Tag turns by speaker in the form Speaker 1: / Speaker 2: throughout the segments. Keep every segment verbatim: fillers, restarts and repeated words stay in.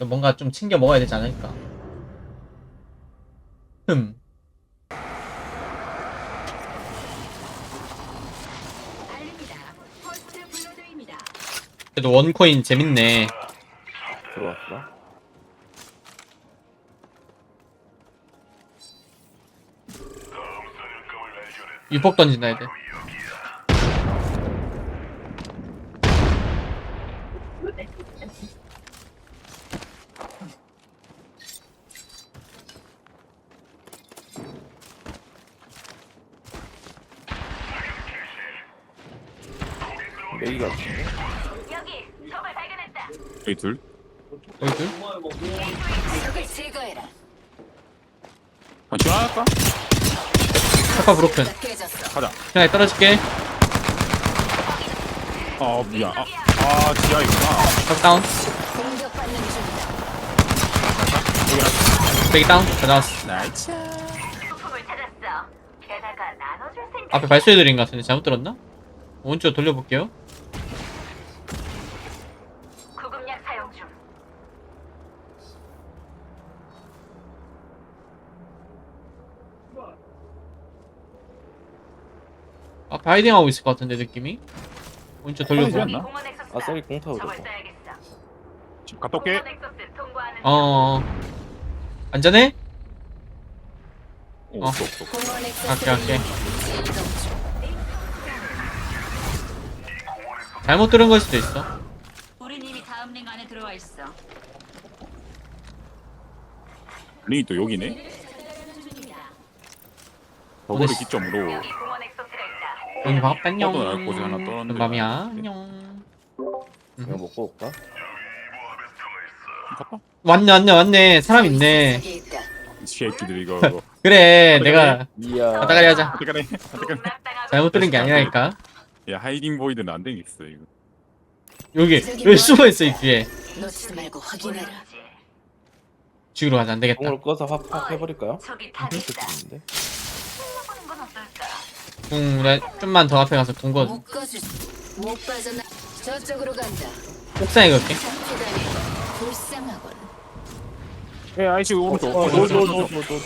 Speaker 1: 뭔가 좀 챙겨 먹어야 되지 않을까. 흠. 그래도 원코인 재밌네.
Speaker 2: 들어왔어?
Speaker 1: 유폭 던진다 애들.
Speaker 2: 메이가 같은데?
Speaker 3: 여기 적을 발견했다.
Speaker 4: 여기 둘.
Speaker 1: 여기 둘?
Speaker 3: 적을 제거해라.
Speaker 4: 아, 지원할까?
Speaker 1: 카파 브로큰.
Speaker 3: 깨졌어.
Speaker 4: 가자.
Speaker 1: 그냥 떨어질게.
Speaker 4: 어, 미안. 아, 아 지하이구나.
Speaker 1: 각 다운.
Speaker 3: 공격받는 중이다.
Speaker 1: 백이 다운. 다 나왔어.
Speaker 4: 나이스.
Speaker 3: 소품을 찾았어. 게다가 나눠줄 생각.
Speaker 1: 앞에 발소리들인 것 같은데 잘못 들었나? 오른쪽 돌려볼게요.
Speaker 3: 구급약 사용 중.
Speaker 1: 앞에 하이딩 하고 있을 것 같은데 느낌이. 오른쪽
Speaker 4: 하이딩
Speaker 1: 돌려보.
Speaker 4: 않나?
Speaker 3: 공원 엑소스다.
Speaker 2: 아, 쏘리 공 타고
Speaker 3: 적을
Speaker 2: 있었다.
Speaker 3: 써야겠어.
Speaker 4: 지금 갔다 올게.
Speaker 3: 공원 엑소스 통과하는 중.
Speaker 1: 어. 안전해?
Speaker 4: 오,
Speaker 1: 어.
Speaker 4: 없어, 없어.
Speaker 3: 공원 엑소스
Speaker 1: 갈게 갈게.
Speaker 3: 이동 중.
Speaker 1: 잘못 들은 걸 수도 있어.
Speaker 3: 우린 이미 다음 링 안에 들어와 있어.
Speaker 4: 링이 또 여기네. 저거를
Speaker 1: 어디-
Speaker 4: 기점으로
Speaker 3: 여기 공원 엑소스가 있다.
Speaker 1: 여기 반갑다 안녕.
Speaker 4: 뻗어날 곳에 하나 떨어졌는데.
Speaker 1: 밤이야 안녕.
Speaker 2: 이거 먹고 올까?
Speaker 4: 갔다.
Speaker 1: 왔네 왔네 왔네. 사람 있네.
Speaker 3: 저기 있다.
Speaker 4: 이 새끼들 이거. 이거.
Speaker 1: 그래 내가
Speaker 2: 이야.
Speaker 1: 가다가리 하자.
Speaker 4: 어떻게 가네? 어떻게 가네?
Speaker 3: 공략당하고
Speaker 1: 잘못 들은 게 아니라니까.
Speaker 4: 야 하이딩 보이드는 안 되겠어 이거.
Speaker 1: 여기 여기 숨어 있어 이 뒤에.
Speaker 3: 놓치지 말고 확인해라.
Speaker 1: 죽으러 가자 안 되겠다.
Speaker 2: 공을 꺼서 확, 확 해버릴까요?
Speaker 3: 저기 탑 있다.
Speaker 2: 좋겠는데?
Speaker 3: 해보는 건 어떨까?
Speaker 1: 궁 그래 좀만 더 앞에 가서 궁거
Speaker 3: 묶어줄 못 빠져나. 저쪽으로 간다.
Speaker 1: 옥상에 걸게.
Speaker 3: 기다리. 불쌍하군.
Speaker 4: 예 아이씨 오른쪽.
Speaker 2: 어,
Speaker 4: 어,
Speaker 2: 노, 노,
Speaker 4: 오른쪽,
Speaker 2: 노,
Speaker 4: 오른쪽.
Speaker 2: 노, 노, 노.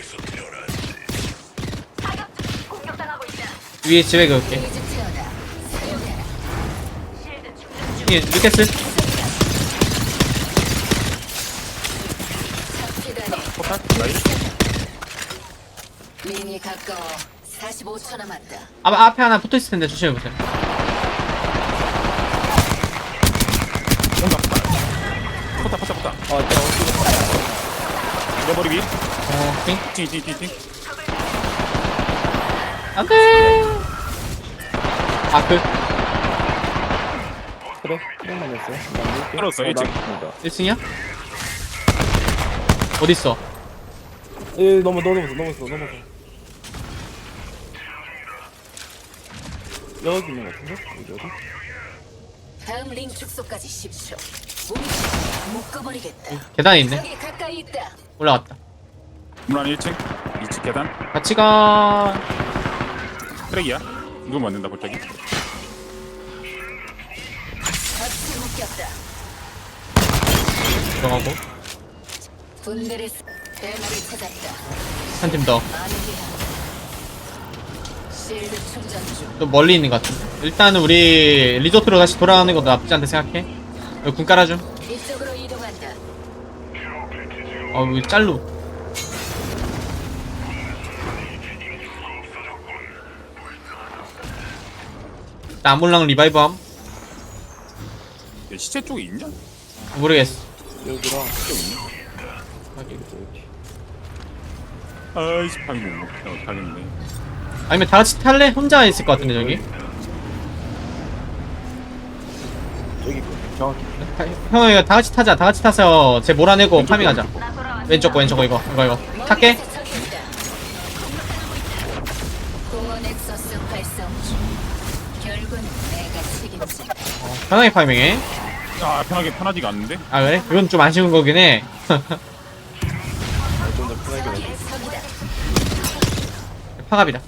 Speaker 3: 사격 중. 공격당하고 있다.
Speaker 1: 위에 집에 걸게.
Speaker 3: 게이지 채워라. 사용해라. 실드 충전 중.
Speaker 1: 이 루케스.
Speaker 3: 기다리.
Speaker 4: 포탈? 나이스.
Speaker 3: 링이 가까워. 사십오 초 남았다.
Speaker 1: 아 앞에 하나 붙어 있을 텐데 조심해 보세요.
Speaker 4: 온다. 포탈 포탈 포탈.
Speaker 2: 아, 내가 어떻게
Speaker 4: 내 머리 위.
Speaker 1: 어, 오케이.
Speaker 4: 팅팅팅팅.
Speaker 1: 안돼. 아크
Speaker 2: 그래? 그냥만 했어요? 나 밀게.
Speaker 4: 떨었어,
Speaker 2: 어,
Speaker 4: 일찍.
Speaker 2: 나
Speaker 1: 일 층이야? 어디 있어?
Speaker 2: 예, 넘어, 넘어서, 넘어서, 넘어서. 여기 있는 것 같은데? 여기 어디?
Speaker 3: 다음 링 축소까지 십 초. 우리 묶어버리겠다.
Speaker 1: 계단에 있네.
Speaker 3: 저기 가까이 있다.
Speaker 1: 올라갔다.
Speaker 4: 문안 일 층. 이 층 계단.
Speaker 1: 같이 가.
Speaker 4: 트랙이야. 이거 맞는다 갑자기.
Speaker 3: 같이 묶였다.
Speaker 1: 들어가고
Speaker 3: 분들의 대마를 찾았다.
Speaker 1: 한 팀 더.
Speaker 3: 아니야. 실드 충전 중.
Speaker 1: 또 멀리 있는 것 같은데. 일단은 우리 리조트로 다시 돌아가는 것도 나쁘지 않다 생각해. 여기 궁 깔아줌.
Speaker 3: 이쪽으로 이동한다.
Speaker 1: 어 여기 짤로. 나물랑 리바이브함?
Speaker 4: 얘 시체 쪽에 있냐?
Speaker 1: 모르겠어.
Speaker 2: 여기랑
Speaker 4: 시체 있냐?
Speaker 1: 여기.
Speaker 2: 여기.
Speaker 4: 아이씨 방이 못 먹혀. 어떡하겠네.
Speaker 1: 아니면 다 같이 탈래? 혼자 있을 것 같은데 저기.
Speaker 2: 저기 있고. 정확히.
Speaker 1: 형 이거 다 같이 타자. 다 같이 타서 쟤 몰아내고 파밍하자.
Speaker 3: 나 돌아왔어.
Speaker 1: 왼쪽 거 왼쪽 거 이거 이거 이거. 탈게.
Speaker 3: 먼 곳에 적이 있다. 공원 엑소스 활성 중. 결국은 내가 책임진다.
Speaker 1: 편하게 파밍해.
Speaker 4: 아 편하게 편하지가 않는데?
Speaker 1: 아 그래? 그건 좀 아쉬운 거긴 해.
Speaker 2: 좀더 편하게
Speaker 3: 적의
Speaker 2: 가지.
Speaker 3: 적이다.
Speaker 1: 파갑이다.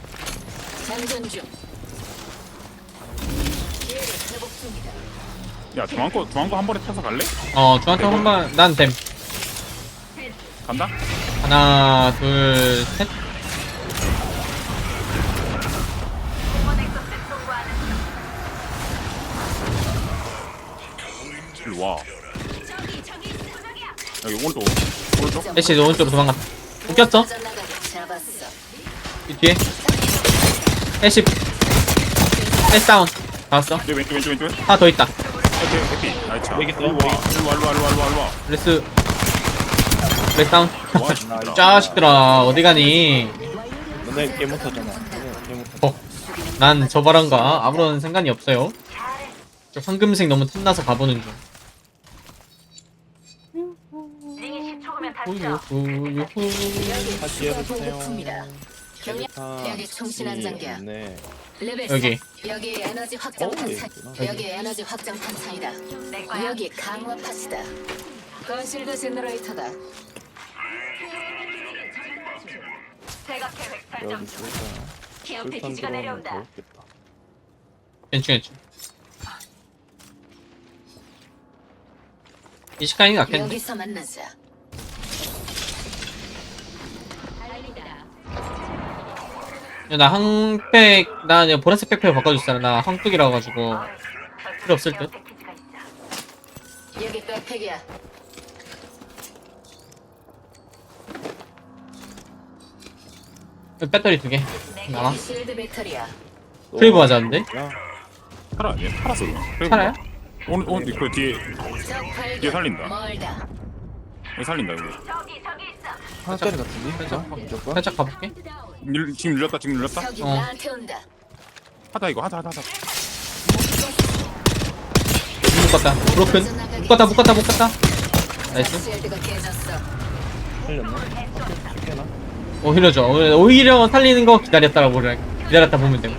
Speaker 3: 장전 중. 기회를 회복 중이다.
Speaker 4: 야 중앙거 중앙거 한 번에 타서 갈래?
Speaker 1: 어 중앙쪽 한번 난됨.
Speaker 4: 간다?
Speaker 1: 하나 둘 셋.
Speaker 4: 일로 와. 여기 오른쪽 오른쪽.
Speaker 1: 애쉬 오른쪽으로 도망갔다. 웃겼어?
Speaker 3: 잡았어.
Speaker 1: 이 뒤에 애쉬 애쉬 다운. 잡았어.
Speaker 4: 내 왼쪽 왼쪽 왼쪽.
Speaker 1: 하나 더 있다.
Speaker 4: 오케이 오케이. 나이스.
Speaker 2: 여기 있어,
Speaker 4: 일로 와 일로 와 일로 와 일로 와 일로 와 일로 와.
Speaker 1: 레스 레스 다운.
Speaker 4: 와 진짜.
Speaker 1: 짜식들아 어디 가니?
Speaker 2: 너네 개 못하잖아. 너네 개 못하.
Speaker 1: 어, 난 저 바람과 아무런 상관이 없어요. 저 황금색 너무 탐나서 가보는 중.
Speaker 3: 링이 십 초 후면 닫혀.
Speaker 1: 우유후 유후.
Speaker 2: 다시 해보세요.
Speaker 3: 보급품이다. 경량
Speaker 2: 아,
Speaker 3: 여기 총신 안장기야.
Speaker 2: 네.
Speaker 3: 레벨
Speaker 1: 여기.
Speaker 3: 사. 여기 에너지 확장
Speaker 2: 어,
Speaker 3: 탄창.
Speaker 2: 여기.
Speaker 3: 여기 에너지 확장 탄창이다. 여기 강화 파츠다. 건실드 제너레이터다. 대각 계획 설정
Speaker 2: 여기
Speaker 3: 중.
Speaker 2: 쏠까?
Speaker 3: 케어
Speaker 2: 술탄
Speaker 3: 패키지가
Speaker 2: 들어오면
Speaker 3: 내려온다.
Speaker 2: 더 웃겠다.
Speaker 1: 괜찮 괜찮. 이 시간이 낫겠네.
Speaker 3: 여기서 만나자.
Speaker 1: 야, 나 항백 나 그냥 보라색 백팩 바꿔줬잖아. 나 항뚝이라 가지고 필요 없을 듯.
Speaker 3: 여기 백팩이야.
Speaker 1: 배터리 두 개. 나와.
Speaker 3: 여기 실드 배터리야.
Speaker 1: 프레이브 하자는데?
Speaker 2: 야,
Speaker 4: 팔아 아니야? 팔았어 그냥. 그래,
Speaker 1: 살아요?
Speaker 4: 오늘 오늘 그 뒤에
Speaker 3: 적 발견.
Speaker 4: 뒤에 살린다.
Speaker 3: 멀다.
Speaker 4: 여기 살린다 여기.
Speaker 3: 저기 저기 있어.
Speaker 2: 하나짜리 같은데?
Speaker 1: 살짝,
Speaker 2: 어? 무조건?
Speaker 1: 살짝 가볼게.
Speaker 4: 늘, 지금 눌렸다 지금 눌렸다.
Speaker 3: 저기
Speaker 1: 어.
Speaker 3: 나한테 온다.
Speaker 4: 하다 이거 하다 하다 하다.
Speaker 1: 묶었다. 브로큰. 묶었다 묶었다 묶었다. 나이스.
Speaker 3: 실드가 깨졌어.
Speaker 2: 살렸네. 쉽게나?
Speaker 1: 오히려죠. 오히려 살리는 거 기다렸다가 보래. 기다렸다 보면 되고.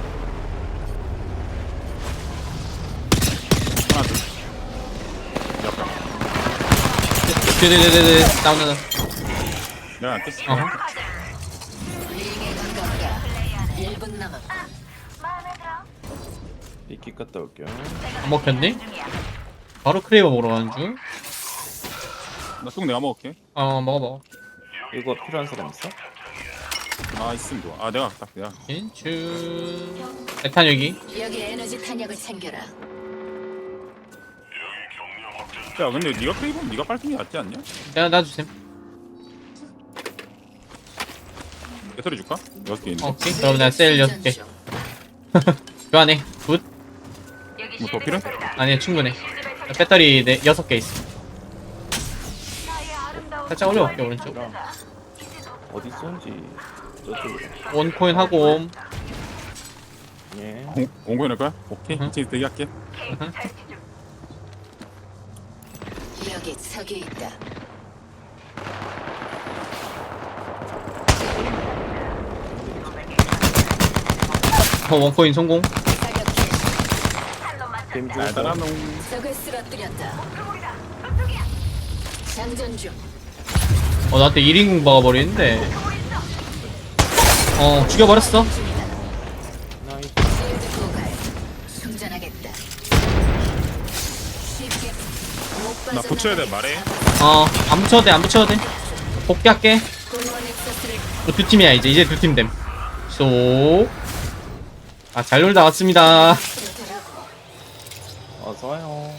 Speaker 4: 하나 둘. 약간
Speaker 1: 네네네네. 다운 다운.
Speaker 4: 내가 안 깼어.
Speaker 1: 어허.
Speaker 3: 링에 가깝다. 일 분 남았다.
Speaker 2: 이끼 갔다 올게요.
Speaker 1: 안 먹혔네? 바로 크레이버 먹으러 가는 중.
Speaker 4: 나똥 내가 먹을게.
Speaker 1: 어 먹어 먹어.
Speaker 2: 이거 필요한 사람 있어?
Speaker 4: 아 있으면 좋아. 아 내가 딱 내가.
Speaker 1: 인추. 에탄 여기.
Speaker 3: 여기 에너지 탄약을 챙겨라.
Speaker 4: 야 근데 네가 크레이브는 네가 빨는 게 낫지 않냐?
Speaker 1: 내가 놔주셈.
Speaker 4: 배터리 줄까? 여섯 개 있는데.
Speaker 1: 오케이. 그럼 내가 셀 여섯 개. 교환해. 굿.
Speaker 4: 뭐 더 필요해?
Speaker 1: 아니 충분해. 배터리 네 여섯 개 있어. 살짝 올려볼게 오른쪽.
Speaker 2: 어디 쏜지 저쪽으로.
Speaker 1: 원 코인 하고 옴.
Speaker 2: 예.
Speaker 4: 공 공고해 놓을 거야? 오케이.
Speaker 1: 응.
Speaker 4: 이제 대기할게.
Speaker 3: 여기 저기 있다.
Speaker 1: 어, 원 코인 성공.
Speaker 3: 사격 개시.
Speaker 2: 뱀
Speaker 4: 달달한
Speaker 2: 죽었다.
Speaker 4: 놈.
Speaker 3: 적을 쓰러뜨렸다. 장전 중.
Speaker 1: 어 나한테 일 인공 박아버리는데. 어 죽여버렸어.
Speaker 2: 나이스.
Speaker 3: 실드 고갈. 충전하겠다. 쉽게 못
Speaker 4: 나 붙여야 돼 말해.
Speaker 1: 어안 붙여도 돼안 붙여도 돼. 복귀할게.
Speaker 3: 공원 엑서스를
Speaker 1: 어, 두 팀이야 이제 이제 두 팀 됨. 쏘. 아잘 놀다 왔습니다.
Speaker 3: 그러더라고.
Speaker 2: 어서 와요.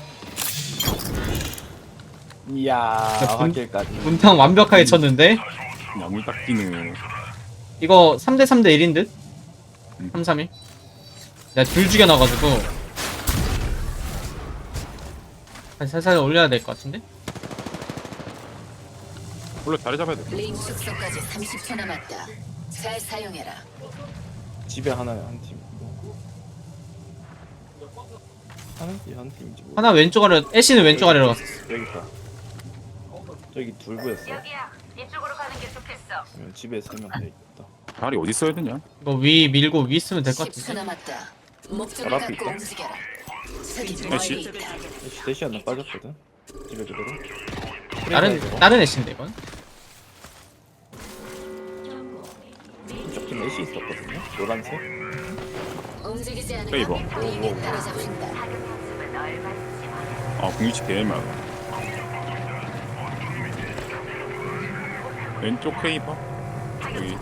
Speaker 2: 이야,
Speaker 1: 야, 분-
Speaker 2: 확실까지.
Speaker 1: 문탕 완벽하게 쳤는데.
Speaker 4: 야물 딱 끼는.
Speaker 1: 이거 삼 대 삼 대 일인 듯?
Speaker 4: 음.
Speaker 1: 삼 삼 일. 내가 둘 죽여놔가지고 한 살살 올려야 될 것 같은데?
Speaker 4: 원래 자리 잡아야 돼.
Speaker 3: 링 축소까지 삼십 초 남았다. 잘 사용해라.
Speaker 2: 집에 하나에 한 팀. 하나? 이한 팀이지 뭐.
Speaker 1: 하나 왼쪽 아래 애쉬는 왼쪽 아래로 갔어.
Speaker 2: 여기 있다. 저기 둘 보였어.
Speaker 3: 여기야. 이쪽으로 가는 게 좋겠어.
Speaker 2: 그러면 집에 세 명 돼 있다.
Speaker 4: 자리 어디 써야 되냐?
Speaker 1: 이거 위 밀고 위 쓰면 될 것
Speaker 3: 십 초
Speaker 1: 같은데?
Speaker 3: 남았다. 목적을
Speaker 2: 바로 앞에
Speaker 3: 갖고
Speaker 2: 있다.
Speaker 3: 움직여라. 저기
Speaker 4: 애쉬.
Speaker 3: 멀리 있다.
Speaker 2: 애쉬 대시 하나 빠졌거든. 집에 그대로.
Speaker 1: 다른 다른 애쉬인데 이건?
Speaker 2: 이쪽 팀 애쉬 있었거든요. 노란색.
Speaker 3: 움직이지 않으면
Speaker 4: 페이버.
Speaker 3: 링에 따라잡힌다.
Speaker 2: 어,
Speaker 4: 아 공유치 개만. 왼쪽 크레이버 여기.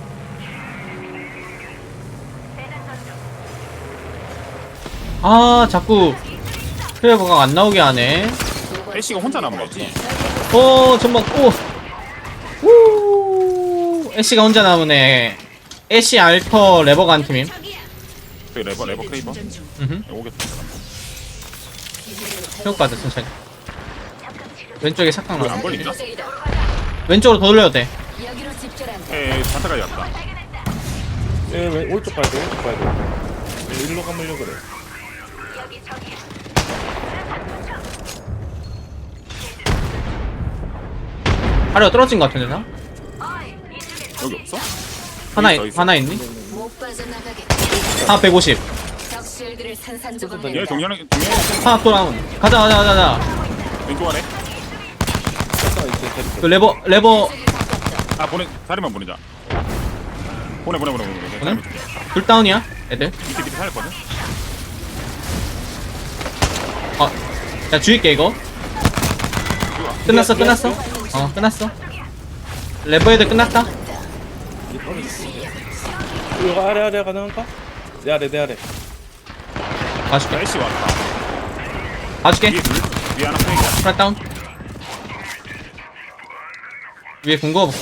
Speaker 1: 아 자꾸 크레버가 안 나오게 하네.
Speaker 4: 애쉬가 혼자 남은 거지.
Speaker 1: 어 전방 오우 애쉬가 혼자 남으네. 애쉬 알터 레버가 한 팀임.
Speaker 4: 저기 레버 레버 크레이버.
Speaker 1: 음흠.
Speaker 4: 오겠다.
Speaker 1: 회복받아 천천히. 왼쪽에 착각
Speaker 4: 안
Speaker 1: 나.
Speaker 4: 걸린다.
Speaker 1: 왼쪽으로 더 돌려도 돼.
Speaker 3: 여기로 집결한다.
Speaker 4: 에 반타까지 왔다.
Speaker 2: 예, 왜 오른쪽 봐야 돼, 오른쪽 봐야 돼. 왜 일로 가물려 그래.
Speaker 1: 아래가 떨어진 것 같은데 나?
Speaker 4: 여기 없어?
Speaker 1: 하나
Speaker 4: 있어, 있어.
Speaker 1: 하나 있니?
Speaker 3: 못 빠져나가겠다.
Speaker 1: 하나 백오십.
Speaker 3: 적실들을 산산조각
Speaker 4: 얘
Speaker 3: 낸다.
Speaker 4: 정렬 정렬
Speaker 1: 하나 또 나온. 가자 가자 가자 가자.
Speaker 4: 왼쪽 아래.
Speaker 2: 잠깐 이제 데리고.
Speaker 1: 그 레버 레버
Speaker 4: 아 보내 다리만 보내자. 보내 보내 보내 보내.
Speaker 1: 보내? 둘 다운이야 애들.
Speaker 4: 밑에 밑에 살렸거든.
Speaker 1: 어, 야 죽일게 이거. 끝났어 끝났어. 어 끝났어. 레버 애들 끝났다.
Speaker 2: 이게 떨어졌어. 이거 아래 아래 가능한가? 내 아래 내 아래.
Speaker 1: 봐줄게.
Speaker 4: 애쉬 왔다.
Speaker 1: 봐줄게.
Speaker 4: 위에 둘 위에 하나 프레이야.
Speaker 1: 프라 다운. 위에 군 그어볼게.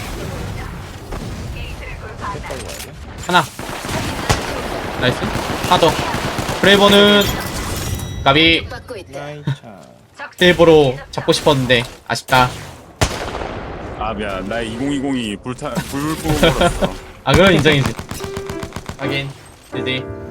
Speaker 2: 색깔로 와야 돼.
Speaker 1: 하나. 나이스. 하나 더. 브레이버는 가비.
Speaker 3: 받고 있다.
Speaker 2: 나이차.
Speaker 1: 일부러 잡고 싶었는데 아쉽다.
Speaker 4: 아 미안 나 이천이십이 불타 불 뿜어버렸어.
Speaker 1: 아 그건 인정이지. 하긴. 디디.